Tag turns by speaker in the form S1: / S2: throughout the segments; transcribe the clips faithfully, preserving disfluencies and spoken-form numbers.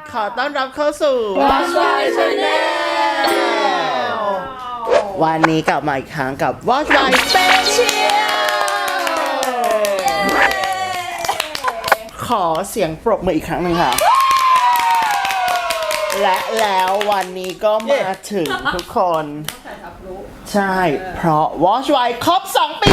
S1: ขอต้อนรับเข้าสู่
S2: Watch My Channel
S1: วันนี้กลับมาอีกครั้งกับ Watch My Special ขอเสียงปรบมืออีกครั้งหนึ่งค่ะ และแล้ววันนี้ก็มาถึงทุกคน ใช่ เพราะ Watch My ครบสองปี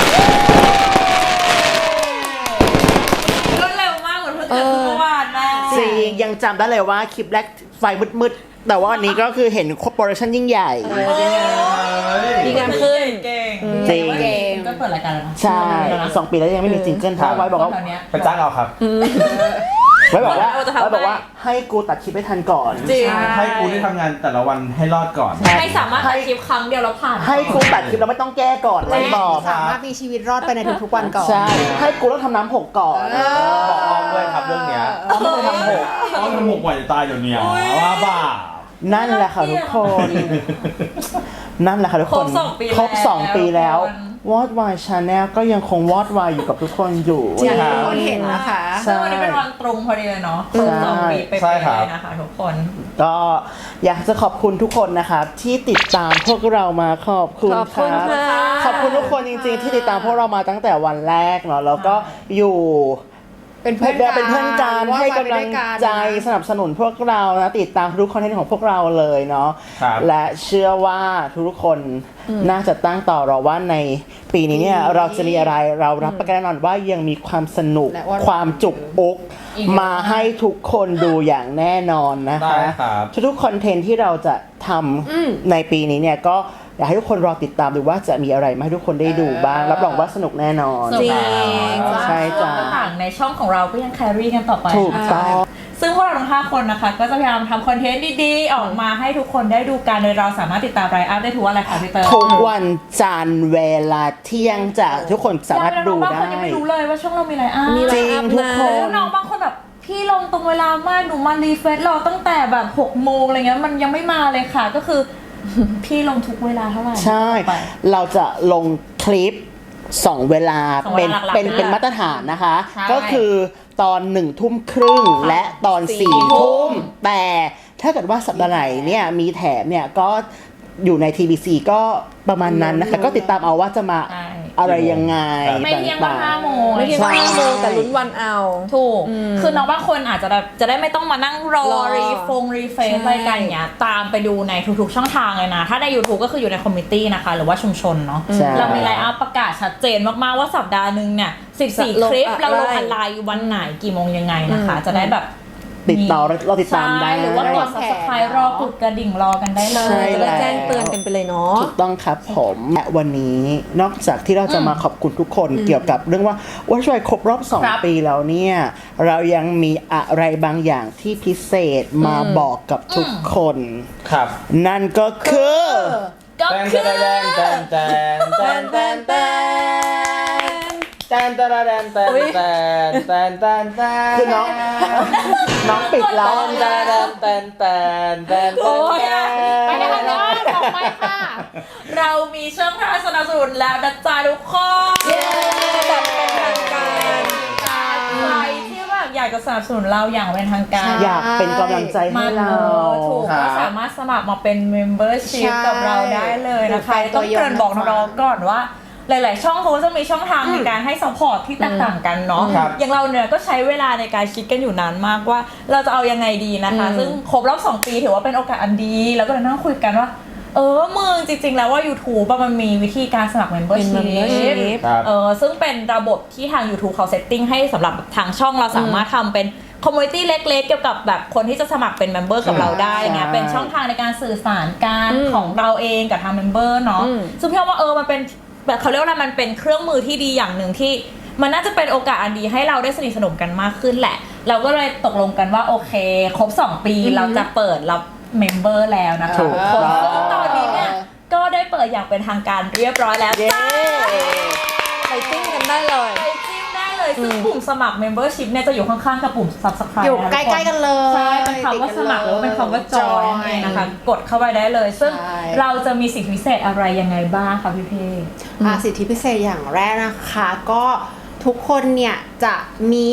S1: แล้ว
S2: รวดเร็วมากเหมือนเพิ่งเกิดเมื่อวานแม่
S1: จริงยังจำได้เลยว่าคลิปแรกไฟมืดๆ แต่ว่าวันนี้ก็คือเห็นคอร์ปอเรชั่นยิ่งใหญ่
S2: ดีงามขึ้นเก่ง
S1: จริง
S2: ก็เปิดรายการแล้วนะ
S1: ใช่สองปีแล้วยังไม่มีจิงเกิลเพราะไว้บอกว่า
S3: ไปจ้างเอาครับ
S1: ไว้บอกว่าไว้บอกว่าให้กูตัดคลิปให้ทันก่อน
S2: จริง
S3: ให้กูได้ทำงานแต่ละวันให้รอดก่อน
S2: ให้สามารถตัดคลิปครั้งเดียวแล้วผ่าน
S1: ให้กูตัดคลิปแล้วไม่ต้องแก้ก่อนไว้บอก
S4: สามารถมีชีวิตรอดไปในทุกๆวันก่อน
S1: ใช่ให้กูต้องทำน้ำหกก่อน
S3: บอกอ้อมด้วยครับเรื่องเนี้ย
S1: ต้องไม่ทำหก
S3: อ้อมทำหกกว่าจะตายเดี๋ยวนี้ว่าบ้า
S1: นั่นแหละค่ะทุกคน นั่นแหละค่ะทุกคน ครบสองปีแล้ว Watch My Channel ก็ยังคง Watch My อยู่กับทุกคนอยู่
S4: จริง
S1: นะ
S4: ทุ
S1: คะ
S4: กคนเห็นนะคะ
S2: ซึ่งวันนี้เป็นวันตรงพอดีเลยเนาะครบสองปีไปเลยนะคะทุกคน
S1: ก็อยากจะขอบคุณทุกคนนะครับที่ติดตามพวกเรามาขอบคุณ
S4: ขอบ
S1: ค
S4: คุณ
S1: รับ
S4: ค่ะ
S1: ขอบคุณทุกคนจริงๆที่ติดตามพวกเรามาตั้งแต่วันแรกเนาะแล้วก็อยู่
S4: เป็นเพื่อน
S1: เป็นเพื่อนกันให้กำลังใจสนับสนุนพวกเรานะติดตามทุกคอนเทนต์ของพวกเราเลยเนาะ
S3: ครับ
S1: และเชื่อว่าทุกคนน่าจะตั้งต่อรอว่าในปีนี้เนี่ยเราจะมีอะไรเรารับประกันแน่นอนว่ายังมีความสนุก
S4: และว่า
S1: ความจุกอกมาให้ทุกคนดูอย่างแน่นอนนะคะ
S3: ได้ครับ
S1: ทุกๆคอนเทนต์ที่เราจะทำในปีนี้เนี่ยก็อยากให้ทุกคนรอติดตามดูว่าจะมีอะไรมาให้ทุกคนได้ดูบ้างรับรองว่าสนุกแน่นอน
S2: จริง
S1: ใช่จ้ะ
S2: ต่างๆในช่องของเราก็ยังแครี่กันต่อไป
S1: ถูกต้อง
S2: ซึ่งพวกเราทั้งห้าคนนะคะก็จะพยายามทำคอนเทนต์ดีๆ ออกมาให้ทุกคนได้ดูกันโดยเราสามารถติดตามไลฟ์อัพได้ทุกวันเลยค่ะพี่เตอร์
S1: ทุกวันจันทร์เวลาเที่ยงจะทุกคนสามารถดู
S2: บาง
S1: ได้
S2: คนยังไม่รู้เลยว่าช่องเรามีไลฟ์อัพ
S4: มีไล
S1: จริ
S4: ฟ์
S1: ง
S4: อัพ
S1: ทุก
S4: นะ
S1: คน
S2: น้องบางคนแบบพี่ลงตรงเวลามากหนูมารีเฟซรอตั้งแต่แบบหกโมงอะไรเงี้ยมันยังไม่มาเลยค่ะก็คือ พี่ลงทุกเวลาเท่าไหร่
S1: ใช่
S2: ไป
S1: เราจะลงคลิปสองเวลา
S2: สองเว
S1: เป็น
S2: ลาหลักๆ
S1: เป็น
S2: เลย
S1: เป็นมาตรฐานนะคะ
S2: ใช่
S1: ก็คือตอนหนึ่งทุ่มครึ่งและตอน
S4: สี่
S1: สี่
S2: ทุ่
S1: ทุ่
S2: ม
S1: มแต่ถ้าเกิดว่าสัปดาห์ไหนเนี่ยมีแถมเนี่ยก็อยู่ใน ที บี ซี ก็ประมาณนั้นนะคะ ก็ติดตามเอาว่าจะมา
S2: ใช่
S1: อะไรยังไง
S2: ไม่เที่ยงก็
S1: ต่าง
S2: ห้าโมง
S4: ไม่เที่ยง
S1: ใช่
S4: ห้าโมงแต่ลุ้นวันเอา
S2: ถูก
S4: อืม
S2: คือน้องบางคนอาจจะแบบจะได้ไม่ต้องมานั่งรอ
S4: รอ
S2: รีฟงรีเฟซ
S4: ใช่
S2: อะไรกันอย่างเงี้ยตามไปดูในทุกๆช่องทางเลยนะ ถ้าใน YouTube ก็คืออยู่ในคอมมิตี้นะคะ หรือว่าชุมชนเนาะ
S1: ใช่
S2: เรามีไลน์อัพประกาศชัดเจนมากๆว่าสัปดาห์หนึ่งเนี่ยสิบสี่
S4: จะลง
S2: คลิป
S4: อะไร
S2: เราลงอะไรวันไหนกี่โมงยังไงนะคะ จะได้แบบ
S1: ติดต่อเราติดตามได้
S2: ใช่หรือว่ากด Subscribe รอกดกระดิ่งรอกันได้เลย
S1: ใช่
S4: จะได้แจ้งเตือนกันไปเลยเนาะ
S1: ถูกต้องครับผมและวันนี้นอกจากที่เราจะมาขอบคุณทุกคนเกี่ยวกับเรื่องว่าว่าช่วยครบรอบสอง
S2: ครับ
S1: ปีแล้วเนี่ยเรายังมีอะไรบางอย่างที่พิเศษมาบอกกับทุกคน
S3: ครับ
S1: นั่นก็คือ
S2: ก็
S3: แตน
S2: คือ
S3: แตนแตนแตนแตนแตนแตนแตนแตนแตนแตนแตนแตนแตนแตน
S1: คือน้องน้องปิดแล้ว
S3: แตนแตนแตนแตน
S2: โอ้ยไปกันเนาะต่อไปค่ะ เรามีช่องทางสนับสนุนแล้วนะจ๊ะทุกคน
S4: เย้แบบเป็นทางการ
S2: ใครที่แบบอยากจะสนับสนุนเราอย่างเป็นทางการ
S1: อยากเป็นกำลังใจให้
S2: มา
S1: เรา
S2: ถูกก็สามารถสมัครมาเป็น membership
S4: ใช่
S2: กับเราได้เลยนะคะ
S4: หรือเป็นตั
S2: ต้อง
S4: วยง
S2: เกริ่นบอกน้องๆก่อนว่า หลาย ๆ ช่องเขาก็จะมีช่องทางในการให้ support ที่แตกต่างกันเนาะ
S3: ครับ
S2: อย่างเราเนี่ยก็ใช้เวลาในการคิดกันอยู่นานมากว่าเราจะเอายังไงดีนะคะ ซึ่งครบรอบสองปีถือว่าเป็นโอกาสอันดี แล้วก็เลยนั่งคุยกันว่า เออมึงจริง ๆ แล้วว่า YouTube อะมันมีวิธีการสมัคร
S4: เป็น
S2: membership
S4: membership
S3: ครับ
S2: เออซึ่งเป็นระบบที่ทาง YouTube เขาเซตติ้งให้สำหรับทางช่องเราสามารถทำเป็นคอมมูนิตี้เล็ก ๆ เกี่ยวกับแบบคนที่จะสมัครเป็นเมมเบอร์กับเราได้อย่างเงี้ย
S1: ใช่
S2: เป็นช่องทางในการสื่อสารการ
S4: อืม
S2: ของเราเองกับทางเมมเบอร์เนาะ
S4: อืม
S2: ซึ่งพี่ว่าเออมันเป็นแบบเขาเรียกว่าอะไรมันเป็นเครื่องมือที่ดีอย่างหนึ่งที่มันน่าจะเป็นโอกาสอันดีให้เราได้สนิทสนมกันมากขึ้นแหละ เราก็เลยตกลงกันว่าโอเค ครบสองปีเราจะเปิดรับเมมเบอร์แล้วนะคะ
S1: ถูก
S2: ทุกคน
S1: ต้อง
S2: ซึ่งตอนนี้เนี่ยก็ได้เปิดอย่างเป็นทางการเรียบร้อยแล้ว
S1: เย้
S2: จ้า
S4: ไปจิ้มกันได้เลย
S2: ไปจิ้มได้เลยซึ่งปุ่มสมัคร membership เนี่ยจะอยู่ข้างๆกับปุ่ม subscribe
S4: อยู่
S2: นะ
S4: ใกล้ๆกันเลย
S2: ใช่เป็นคำว่าสมัครหรือว่าเป็นคำว่า join นั่นเองนะคะกดเข้าไปได้เลย ซึ่ง
S4: ใช่
S2: เราจะมีสิทธิพิเศษอะไรยังไงบ้างคะพี่เพ
S4: อ่าสิทธิพิเศษอย่างแรกนะคะ ก็ทุกคนเนี่ยจะมี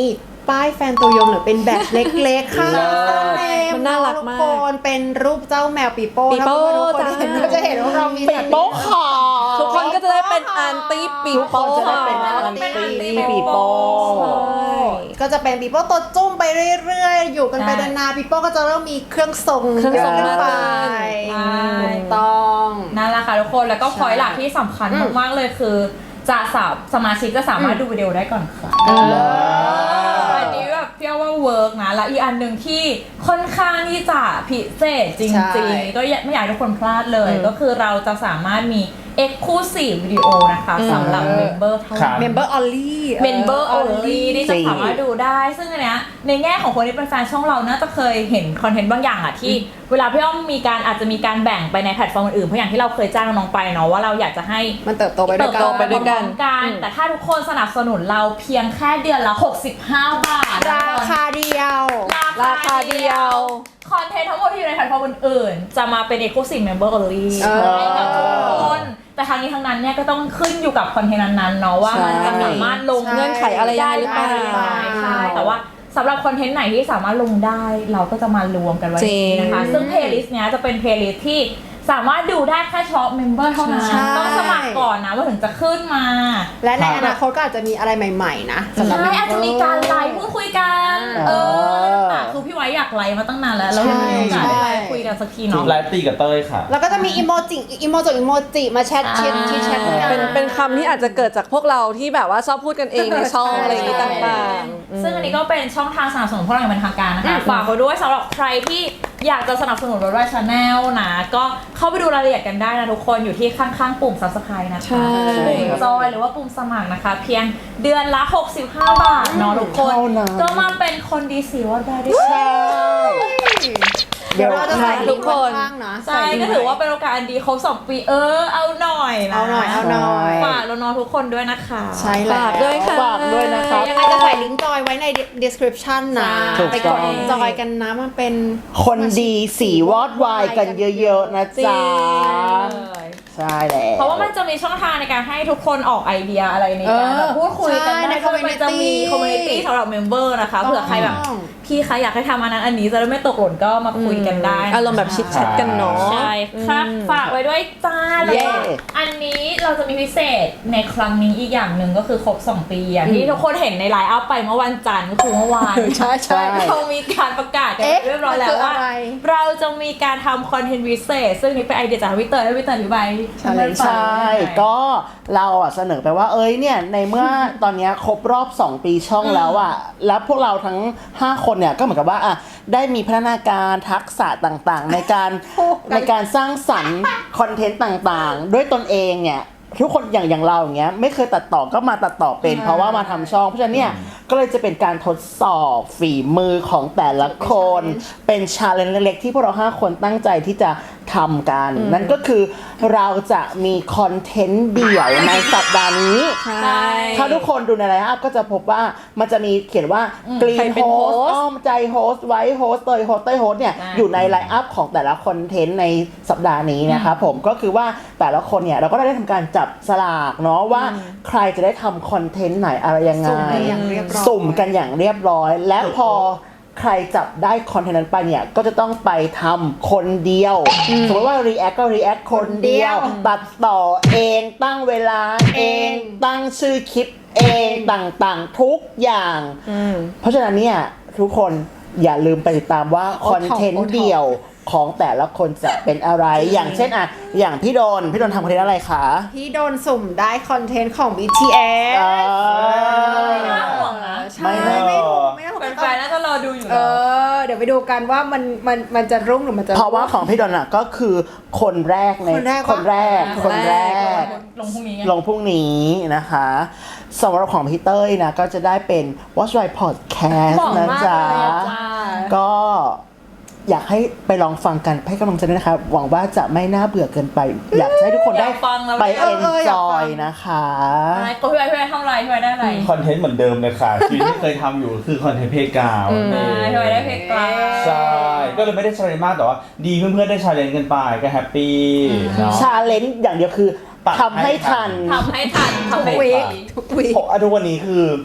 S5: ป้ายแฟนตัวยงหรือเป็นแบตเล็กๆค่ะ
S4: มันน่ารักมาก
S5: ทุกคนเป็นรูปเจ้าแมวปีโป้
S4: ปีโป้
S5: ถ้าทุกคนเห็น
S4: จ้า
S5: ก็จะเห็นว่าเรามี
S1: ปีโป้ขอ
S4: ทุกคนก็จะได้เป็นอันตี้ปี
S1: ทุกคน
S4: โป้
S1: จะได้เป็นอันตี้ปีโป้
S5: ก็จะเป็นปีโป้ตัวจุ้มไปเรื่อยๆ อยู่กันไป
S2: ใช่
S5: นานๆปีโป้ก็จะเริ่มมีเครื่องทรง
S4: เครื่องทรง
S5: ขึ้นไป
S4: มากขึ้น
S2: ใช่
S5: ถูกต้อง
S2: นั่นแหละค่ะทุกคนแล้วก็พอยหลักที่สำคัญ
S5: อืม
S2: มากๆเลยคือ จะสามสมาชิกจะสามารถดูวิดีโอได้ก่อนใคร
S5: เออ
S2: อันนี้แบบพี่ว่าเวิร์กนะแล้วอีกอันหนึ่งที่ค่อนข้างที่จะพิเศษจ
S5: ใช่
S2: ริงๆ ก็ไม่อยากให้ทุกคนพลาดเลย ก็คือเราจะสามารถมี Exclusive วิดีโอนะคะสำหรับ Member เท่า
S3: ครั
S2: นั้
S3: บ
S2: น
S5: เมมเบอร์ออลลี่
S2: Member only ที่จะสามารถดูได้ ซึ่งอันเนี้ยในแง่ของคนที่เป็นแฟนช่องเราน่าจะเคยเห็นคอนเทนต์บางอย่างอะที่เวลาพี่อ้อมมีการอาจจะมีการแบ่งไปในแพลตฟอร์มอื่นๆเพราะอย่างที่เราเคยจ้างน้องไปเนาะว่าเราอยากจะให้
S5: มันเติบโตไปด้วย
S2: เติบ
S5: กัน
S2: โต
S4: ไปด้วยกัน
S2: พร้อมกัน แต่ถ้าทุกคนสนับสนุนเราเพียงแค่เดือนละ หกสิบห้า บาท
S5: ราคาเดียว
S4: ราคาเดียว
S2: คอนเทนต์ทั้งหมดที่อยู่ในแพลตฟอร์มอื่นๆจะมาเป็น Exclusive Member Only
S5: เออ
S2: ให้กับทุกคนแต่ทางนี้ทางนั้นเนี่ยก็ต้องขึ้นอยู่กับคอนเทนต์นั้นๆเนาะว่ามันจะสามารถลง
S5: ใช่
S4: เงื่อนไขอะไรยังไงหรือเปล่า
S2: ใช่ใช่แต่ว่าสำหรับคอนเทนต์ไหนที่สามารถลงได้เราก็จะมารวมกันไว้
S4: จริง
S2: นะคะ ซึ่งเพลย์ลิสต์เนี้ยจะเป็นเพลย์ลิสต์ที่สามารถดูได้แค่เฉพาะเมมเบอร์เท่านั้น
S5: ใช่
S2: ต้องสมัครก่อนนะว่าถึงจะขึ้นมา
S5: และในอนาคตก็อาจจะมีอะไรใหม่ๆนะสำหรับ
S2: ใช่อาจจะมีการไลฟ์พูดคุยกัน
S1: อ่า
S2: เอออ่ะคือพี่ไว้อยากไลฟ์มาตั้งนานแล้ว แล้วยังไม่มีโอกาสได้ไลฟ์คุยกันสักที
S3: ชุ
S2: เนาะ
S3: ดไลฟ์ตีกับเต้ยค่ะ
S5: แล้วก็จะมีอีโมจิอีโมจิอีโมจิมาแชทแชท
S2: อ่า
S5: ที่แชทกัน
S4: เป็นเป็นคำที่อาจจะเกิดจากพวกเราที่แบบว่าชอบพูดกันเองในช่องอะไรอย่างนี้ต่างๆ
S2: ซึ่งอันนี้ก็เป็นช่องทางสนับสนุนพวกเราอย่างเป็นทางการนะคะ ฝากไว้ด้วยสำหรับใครที่อยากจะสนับสนุนรถไฟชาแนลนะ ก็เข้าไปดูรายละเอียดกันได้นะทุกคนอยู่ที่ข้างๆปุ่ม Subscribe นะคะ
S4: ใช่
S2: ปุ่มจอยหรือว่าปุ่มสมัครนะคะ เพียงเดือนละ หกสิบห้า บาทเนาะทุกคน
S1: เท่านั้น
S2: ก็มาเป็นคนดีสีวัดได้ด้วย
S1: ใช่
S5: เดี๋ยวเราจะใส่
S4: ทุกคน
S5: ข้างๆนะ
S2: ใช่ก็ถือว่าเป็นโอกาสอันดีครบสองปีเออเอาหน่อยนะ
S5: เอาหน่อยเอาหน่อย
S2: ฝากน้องๆทุกคนด้วยนะคะ
S5: ใช่แล้ว
S4: ฝากด้วยค่ะ
S1: ฝากด้วยนะครับ
S5: ยังไงจะใส่ลิงก์จอยไว้ใน description นะ
S1: ถูก
S5: ไป
S1: ต้
S5: ก
S1: อง
S5: ดจอยกันนะมันเป็น
S1: คนดีสีวอดวายกันเยอะๆนะจ๊ะ
S2: เลย
S1: ใช่แล้ว
S2: เพราะว่ามันจะมีช่องทางในการให้ทุกคนออกไอเดียอะไรในการแบบพูดคุยกัน
S5: ใช่ใน
S2: ได้ด้วยมันจะมี
S5: community
S2: คอมมูนิตี้สำหรับเมมเบอร์นะคะเผื่อใครแบบ
S5: ต้อง
S2: พี่คะอยากให้ทำอันนั้นอันนี้จะได้ไม่ตกหล่นก็มาคุยกันได้นะคะ
S4: อารมณ์แบบชิดแชทกันเนาะ
S2: ใช่ครับ
S4: อืม
S2: ฝากไว้ด้วยจ้าแล้ว
S1: เย้
S2: ก็อันนี้เราจะมีพิเศษในครั้งนี้อีกอย่างหนึ่งก็คือครบสองปีอย่างที่ทุกคนเห็นในไลน์อัพไปเมื่อวันจันทร์ก็คือเมื่อวาน
S5: ใช่ใช่
S2: เรามีการประกาศกัน
S5: เอ๊ะ
S2: เรียบร้อยแล้วว่า
S5: มันคืออะไร
S2: เราจะมีการทำคอนเทนต์พิเศษซึ่งนี่เป็นไอเดียจากวิเตอร์ให้วิเตอร์อธิบาย
S5: Challenge
S1: ใช่ ก็เราอ่ะเสนอไปว่าเอ้ยเนี่ยในเมื่อ ตอนเนี้ยครบรอบสองปีช่องแล้วอ่ะแล้วพวกเราทั้งห้าคนเนี่ยก็เหมือนกับว่าอ่ะได้มีพัฒนาการทักษะต่างๆ ในการในการสร้างสรรค์คอนเทนต์ต่างๆ ด้วยตนเองเนี่ยทุกคนอย่างอย่างเราอย่างเงี้ยไม่เคยตัดต่อก็มาตัดต่อเป็น เพราะว่ามาทำช่องเพราะฉะนั้นเนี่ยก็เลยจะเป็นการทดสอบฝีมือของแต่ละคนเป็นชาเลนจ์เล็กๆที่พวกเราห้าคนตั้งใจที่จะทำกัน นั่นก็คือเราจะมีคอนเทนต์เดี่ยวในสัปดาห์นี้
S4: ใช่
S1: ถ้าทุกคนดูในไลน์อัพก็จะพบว่ามันจะมีเขียนว่ากรี
S4: ใคร
S1: น
S4: เป็น
S1: โฮ
S4: โฮ
S1: ส
S4: สต์
S1: อ้อมใจโฮสไว้โฮสเตยโฮสเตยโฮสเนี่ย
S2: ใช่
S1: อยู่ในไลน์อัพของแต่ละคอนเทนต์ในสัปดาห์นี้นะครับผมก็คือว่าแต่ละคนเนี่ยเราก็ได้ทำการจับสลากเนาะว่าใครจะได้ทำคอนเทนต์ไหนอะไรยังไง
S5: สุ่มกันอย่างเรียบร้อย
S1: สุ่มกันอย่างเรียบร้อย และพอใครจับได้คอนเทนต์นั้นไปเนี่ยก็จะต้องไปทำคนเดียว สมมติว่า react ก็ react คนเดียว ตัดต่อเองตั้งเวลาเอง ตั้งชื่อคลิปเองต่างๆ ทุกอย่าง เพราะฉะนั้นเนี่ยทุกคนอย่าลืมไปติดตามว่าคอนเทนต์เดียวของแต่ละคนจะเป็นอะไร อย่างเช่นอ่ะอย่างพี่โดนพี่โดนทำคอนเทนต์อะไรคะ
S5: ที่โดนสุ่มได้คอนเทนต์ของ บี ที เอส
S1: เออ
S2: ไม่น่าห่วงนะ
S5: ใช่ไม่ถูกไม่ถูก
S2: แฟนๆน่าจะรอดูอยู่
S5: เอ
S2: แล้ว
S5: อ เดี๋ยวไปดูกันว่ามันมันมันจะรุ่งหรือมันจะ
S1: เพราะว่าของพี่โดนอ่ะก็คือคนแรกใน
S5: คนแรกปะ
S1: คนแรกคนแรก
S2: ลงพรุ่งนี้ไง
S1: ลงพรุ่งนี้นะคะสำหรับของพี่เต้ยนะก็จะได้เป็น Watch My Podcast
S2: บอก
S1: นะ
S2: มาก
S1: จ๊ะ
S2: เลยอะจ้า
S1: ก็อยากให้ไปลองฟังกันให้กำลังใจด้วยนะคะหวังว่าจะไม่น่าเบื่อเกินไป อยากให้ทุกคนได้
S2: อยากฟังแล้ว
S1: ไป
S2: เออ
S5: เอออยากฟั
S1: enjoy
S5: ง
S1: นะคะ
S2: อะไรก็พี่ไว้พี่ไว้ทำอะไรพี่ไว้ได้อะไร
S3: คอนเทนต์เหมือนเดิมเลยค่ะชีวิตที่เคยทำอยู่คือคอนเทนต์เพลงกาว
S2: อ่าพี่ไว้ได้เพลงกลาง
S3: ใช่ ก็เลยไม่ได้ชาเลนจ์มากแต่ว่า ดีเพื่อนๆได้ชาเลนจ์กันไปก็แฮปปี้เนาะ
S1: ชาเลนจ์อย่างเดียวคือ
S3: ตัด
S1: ทำให้
S3: ให้ทั
S1: ทัน
S3: น
S2: ทำให้ทันทำให้
S5: วี
S2: ทั
S5: คน ทุกวีค
S3: ผมอ่ะทุกวันนี้คือ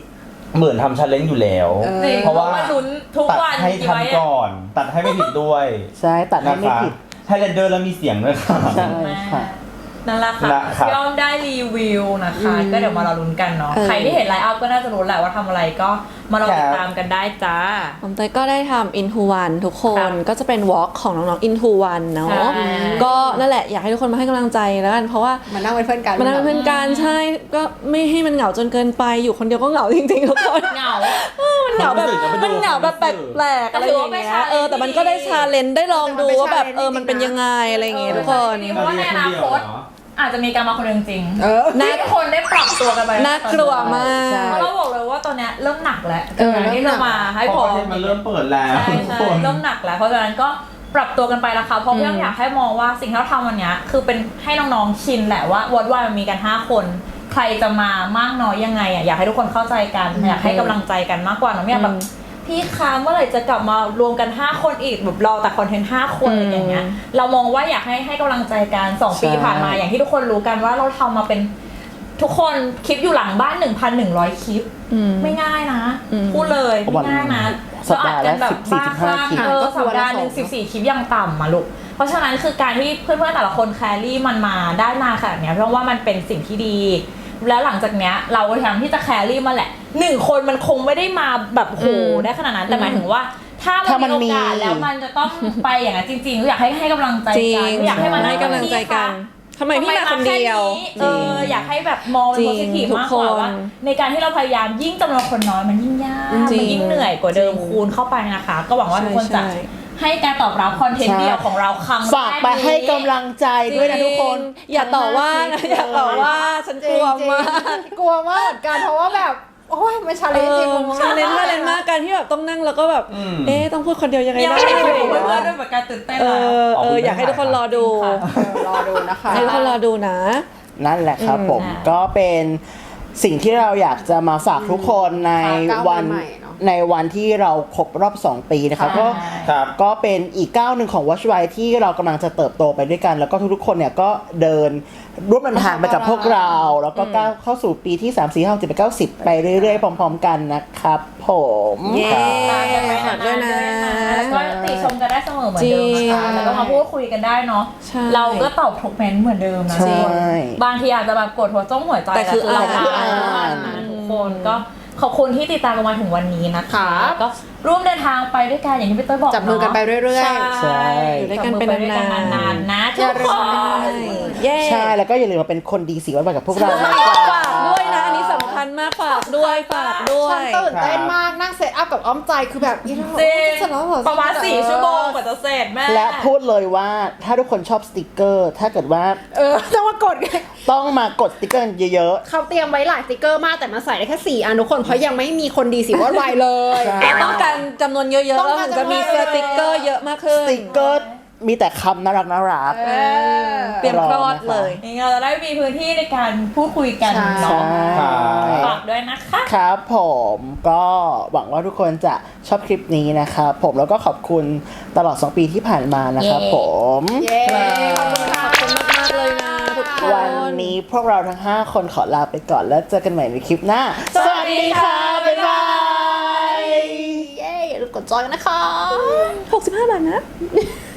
S3: เหมือนทำชันเลนอยู่แล้ว
S5: เออ
S2: จริง
S3: เพราะว่า
S2: เพราะว่าลุ้นทุก
S3: ตัด
S2: วัน
S3: ให้
S2: กี่
S3: ทัน
S2: ไว้อะ
S3: ก่อน ตัดให้ไม่ผิดด้วย
S1: ใช่ตัดให้
S3: นะ
S1: ไม่
S3: คะ
S1: ผิด
S3: ไฮไลท์เดอร์แล้วมีเสียงด้วยค่ะ
S1: ใช่ค่ะ
S2: นั่นแหละค่ะ
S3: นะครับ
S2: ย่อมได้รีวิวนะคะ ก็เดี๋ยวมารอลุ้นกันเนาะ
S4: เออ
S2: ใครที่เห็นไลฟ์อัพก็น่าจะรู้แหละว่าทำอะไรก็มารอติดตามกันได้จ้า
S4: ผมเตยก็ได้ทำ Into One ทุกค
S2: ครั
S4: น
S2: บ
S4: ก็จะเป็น Walk ของน้องๆ Into One เนาะ
S2: ใช่
S4: ก็นั่นแหละอยากให้ทุกคนมาให้กำลังใจแล้วกันเพราะว่า
S5: มานั่งเป็นเพื่อนกัน
S4: มันนั่งเป็นเพื่อนกันใช่ก็ไม่ให้มันเหงาจนเกินไปอยู่คนเดียวก็เหงาจริงๆทุกคน
S2: เหงา
S4: มันเหงาแบบ
S3: ความรู้สึกอะไปดู
S4: มันเหงาแบบแปลกๆอะไรอย่างเงี้ยเออแต่มันก็ได้ชาเลนจ์ได้ลองดูว่าแบบเออมันเป็นยังไงอะไรอย่างเงี้ยทุกคน
S2: เพราะว่าในอนาคตอาจจะมีการมาคนเดียวจริงๆ
S5: เออ
S2: ให้ทุกคนได้ปรับตัวกันไป
S4: น่ากลัวมาก
S1: ใช่
S2: เพราะเราบอกเลยว่าตอนเนี้ยเริ่มหนักแล้ว
S5: เออ
S2: การที่จะมาให้
S3: เพ
S2: พ
S3: ราะ
S2: อ
S3: ประเทศมันเริ่มเปิดแล้ว
S2: ใช่
S3: ทุก
S2: ใช่
S3: คน
S2: เริ่มหนักแล้วเพราะฉะนั้นก็ปรับตัวกันไปละค่ะเพราะพี่อยากให้มองว่าสิ่งที่เราทำวันเนี้ยคือเป็นให้น้องๆชินแหละว่าวอดวายมันมีกันห้าคน ใครจะมามากน้อยยังไงอ่ะอยากให้ทุกคนเข้าใจกันอยากให้กำลังใจกันมากกว่าเนอะไม่อยากแบบพี่คะเมื่อไหร่จะกลับมารวมกันห้าคนอีกแบบรอแต่คอนเทนต์ห้าคนอะไรอย่างเงี้ยเรามองว่าอยากให้ให้กำลังใจกันสองปี
S1: ใช่
S2: ผ่านมาอย่างที่ทุกคนรู้กันว่าเราทำมาเป็นทุกคนคลิปอยู่หลังบ้าน หนึ่งพันหนึ่งร้อย คลิป
S4: อืม
S2: ไม่ง่ายนะ
S4: อืม
S2: พูดเลยไม่ง่ายนะ
S1: สัปดาห์ละ
S2: เรอัดกันแบบ
S1: สิบสี่
S2: บ้า
S1: สิบห้า
S2: คลั่ง
S1: คลิป
S2: เออสัปดาห์หนึ่งสิบสี่คลิปยังต่ำมาลูกเพราะฉะนั้นคือการที่เพื่อนๆแต่ละคนแครี่มันมาได้มาขนาดเนี้ยเพราะว่ามันเป็นสิ่งที่ดี แล้วหลังจากเนี้ยเราก็พยายามที่จะแครี่มาแหละหนึ่งคนมันคงไม่ได้มาแบบโหได้ขนาดนั้นแต่หมายถึงว่า ถ้า
S1: ถ้ามั
S2: มัน
S1: น
S2: มีโอกาส
S1: มี
S2: แล้วมันจะต้องไปอย่างนั้นจริงๆอยากให้ให้กำลังใจ
S4: จริ
S2: กัน
S4: ง
S2: อยากให้มัน
S4: ให้กำลังใจกันทำไมพี่มาคนเดียว
S2: เอออยากให้แบบมองเป็น
S4: จริ
S2: โพ
S4: ง
S2: สิทีฟ
S4: ทุก
S2: มากกว่า
S4: คน
S2: ว่าในการที่เราพยายามยิ่งจำนวนคนน้อยมันยิ่งยาก
S4: จริง
S2: มันยิ่งเหนื่อยกว่าเดิม
S4: จริง
S2: คูณเข้าไปนะคะ ก็หวังว่าทุกคนจะ
S4: ใช่
S2: ให้การตอบรับคอนเทนต์
S1: ใช่
S2: เดียวของเราครั้งแรก
S1: ฝากไปให้กำลังใจด้วยนะทุกคน
S4: อย่าต่อว่านะอย่าต่อว่าฉันกลัวมาก
S5: กลัวมากเหมือนกันเพราะว่าแบบโอ้ยมันชาเล
S4: เอน
S5: จ์จริง
S4: อชาเลนจ์ชาเลนจ์มากการที่แบบต้องนั่งแล้วก็แบบ
S3: อืม
S4: เอ๊ะต้องพูดคนเดียวยังไง
S2: ยัง
S4: ได้
S2: ไม่ได้คุยกับ
S4: เ
S2: เพื่อนๆด้วยเหมือนกันตื่นเต้น
S4: อ
S2: เลย
S4: อเอออยากให้ทุกคนรอดู
S2: ค่ะ
S5: เออรอดูนะคะ
S4: ให้ทุกคนรอดูนะ
S1: นั่นแหละครับ
S4: อืม
S1: ผม
S2: อ่า
S1: ก็เป็นสิ่งที่เราอยากจะมาฝากทุกคนใน
S5: ค่ะก้าว
S1: วัน
S5: ใหม่ๆเนอะ
S1: ในวันที่เราครบรอบ สอง ปีนะครับ
S2: ใช่
S1: ก็
S3: ครับ
S1: ก็เป็นอีกก้าวหนึ่งของ Watch Why ที่เรากำลังจะเติบโตไปด้วยกัน แล้วก็ทุกๆคนเนี่ยก็เดินร่วมเดินทางไปกับพวกเรา แล้วก็ก้าวเข้าสู่ปีที่ สาม สี่ ห้า หก เจ็ด แปด เก้า สิบ ไปเรื่อยๆ พร้อมๆ กันนะครับผม
S4: เย้
S2: ตามกันไป
S4: ฝากด้วยนะ
S2: แล้วก็ติชมกันได้เสมอเหมือนเดิมนะคะ
S4: จริง
S2: แล้วก็มาพูดคุยกันได้เนาะ
S4: ใช่
S2: เราก็ตอบทุกเมนต์เหมือนเดิมนะ
S1: ใช่
S2: บางทีอาจจะแบบกดหัวจ้องหัวใจ
S4: แต่คือ
S2: เรา
S4: อ่าน
S2: อ่านนะทุกคนก็ขอบคุณที่ติดตามกันมาถึงวันนี้นะคะ
S5: ครับ
S2: ก็ร่วมเดินทางไปด้วยกันอย่างที่พี่เต้ยบอก
S5: จับมือกันไปเรื่อยๆ
S2: ใช่
S4: อยู่ด้วยกันเป็น
S2: จับมือไปด้วย
S4: นานๆ
S2: นานๆนะทุ
S5: อย่าก ลื
S2: ค
S5: ม
S2: น
S4: เย้
S1: ใช่แล้วก็อย่าลืมมาเป็นคนดีสีวันไปกับพวกเรา
S4: ฝ
S1: นะครั
S4: าก
S1: บ
S4: ด้วยนะ อันนี้สำคัญมากฝากด้วยฝากด้ว
S5: ฉัน
S4: ย
S5: ตื่นเต้นมากนั่งเซตอัพกับอ้อมใจคือแบบอีเรา
S2: จริง
S5: เสร็จแล้วเหอ
S2: ประมาณสี่ชั่วโมงกว่าจะเสร็จแม่
S1: และพูดเลยว่าถ้าทุกคนชอบสติกเกอร์ ถ้าเกิดว่า
S5: เออต้องมากด
S1: ต้องมากดสติกเกอร์เยอะ
S5: เขาเตรียมไว้หลายสติกเกอร์มากแต่มาใส่ได้แค่สี่อันทุกคนเพราะยังไม่มีคนดีสีวอดวายเลย
S1: ใช่
S4: เราต้องการจำนวนเยอะๆ
S5: ต้
S4: แล้
S5: อ
S4: ว
S5: งการ
S4: ถึงจะมี
S5: จำนวน
S4: สติกเกอร์เยอะมากขึ้
S1: ๆ
S4: น
S1: สติกเกอร์มีแต่คำน่ารักน่ารัก
S5: เออ
S4: เตรียมคลอดเลย
S2: นี่เราจะได้มีพื้นที่ในการพูดคุยกัน
S5: ใช่
S2: เนาะ
S1: ใช่
S2: ฝากด้วยนะคะ
S1: ครับผมก็หวังว่าทุกคนจะชอบคลิปนี้นะครับผมแล้วก็ขอบคุณตลอด สอง ปีที่ผ่านมานะครับ
S2: เย้
S1: ผม
S5: เย้ขอบคุณค่ะ
S4: ขอบคุณมากๆเลยนะทุกคน
S1: วันนี้พวกเราทั้ง ห้า คนขอลาไปก่อนแล้วเจอกันใหม่ในคลิปหน้า สวัสดีค่ะ บ๊ายบาย
S5: เย้อย่าลืมกดจอยกันนะคะ
S4: หกสิบห้าบาทนะ